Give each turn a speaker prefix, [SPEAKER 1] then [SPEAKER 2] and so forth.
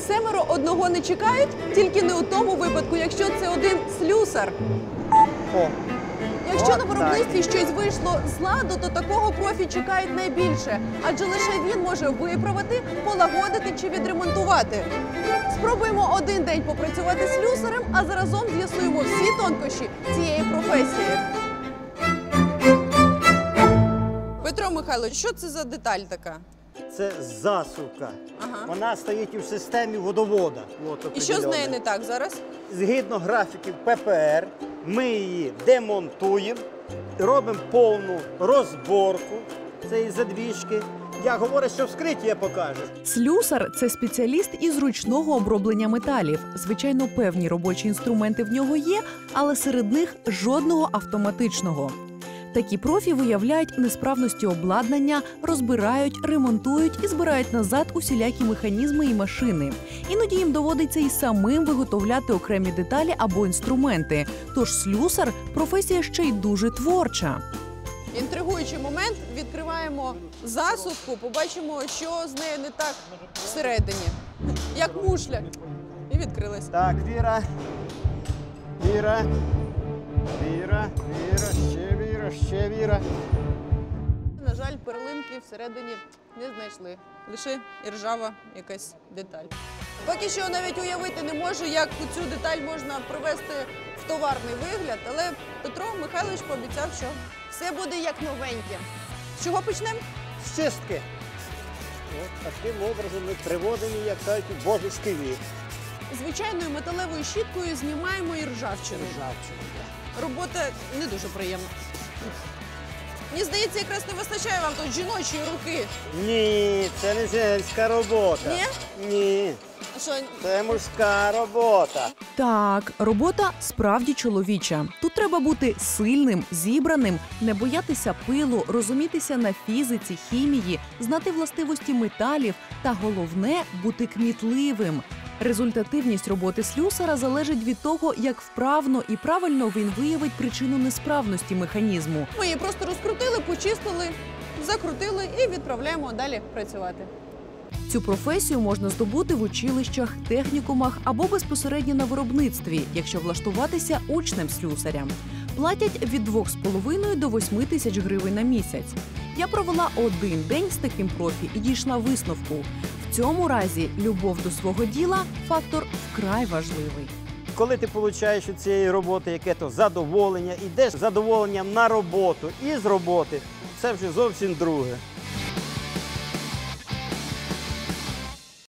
[SPEAKER 1] Семеро одного не чекають, тільки не у тому випадку, якщо це один слюсар.
[SPEAKER 2] О,
[SPEAKER 1] Якщо на виробництві щось вийшло з ладу, то такого профі чекають найбільше, адже лише він може виправити, полагодити чи відремонтувати. Спробуємо один день попрацювати слюсарем, а заразом з'ясуємо всі тонкощі цієї професії. Петро Михайлович, що це за деталь така?
[SPEAKER 2] це засувка.
[SPEAKER 1] Ага.
[SPEAKER 2] Вона стоїть у системі водовода.
[SPEAKER 1] І що з нею не так зараз?
[SPEAKER 2] Згідно графіків ППР, ми її демонтуємо, робимо повну розборку цієї задвіжки. Я говорю, що вскриття покаже.
[SPEAKER 3] Слюсар – це спеціаліст із ручного оброблення металів. Звичайно, певні робочі інструменти в нього є, але серед них жодного автоматичного. Такі профі виявляють несправності обладнання, розбирають, ремонтують і збирають назад усілякі механізми і машини. Іноді їм доводиться і самим виготовляти окремі деталі або інструменти. Тож слюсар – професія ще й дуже творча.
[SPEAKER 1] Інтригуючий момент. Відкриваємо засувку, побачимо, що з нею не так всередині. Як мушля. І відкрилась.
[SPEAKER 2] Так, Віра. Віра. Віра. Віра. Ще Віра. Ще Віра.
[SPEAKER 1] На жаль, перлинки всередині не знайшли. Лише іржава якась деталь. Поки що навіть уявити не можу, як цю деталь можна привести в товарний вигляд, але Петро Михайлович пообіцяв, що все буде як новеньке. З чого почнемо?
[SPEAKER 2] З чистки. От таким образом ми приводимо, як кажуть, у божеський вік.
[SPEAKER 1] Звичайною металевою щіткою знімаємо і ржавчину. Робота не дуже приємна. Мені здається, якраз не вистачає вам тут жіночої руки.
[SPEAKER 2] Ні, це не женська робота.
[SPEAKER 1] Ні?
[SPEAKER 2] Ні.
[SPEAKER 1] А що,
[SPEAKER 2] Це мужська робота.
[SPEAKER 3] Так, робота справді чоловіча. Тут треба бути сильним, зібраним, не боятися пилу, розумітися на фізиці, хімії, знати властивості металів та, головне, бути кмітливим. Результативність роботи слюсара залежить від того, як вправно і правильно він виявить причину несправності механізму.
[SPEAKER 1] ми її просто розкрутили, почистили, закрутили і відправляємо далі працювати.
[SPEAKER 3] Цю професію можна здобути в училищах, технікумах або безпосередньо на виробництві, якщо влаштуватися учнем слюсаря. Платять від 2,5 до 8 тисяч гривень на місяць. Я провела один день з таким профі і дійшла висновку. В цьому разі любов до свого діла – фактор вкрай важливий.
[SPEAKER 2] Коли ти отримуєш від цієї роботи яке-то задоволення, йдеш з задоволенням на роботу і з роботи, це вже зовсім друге.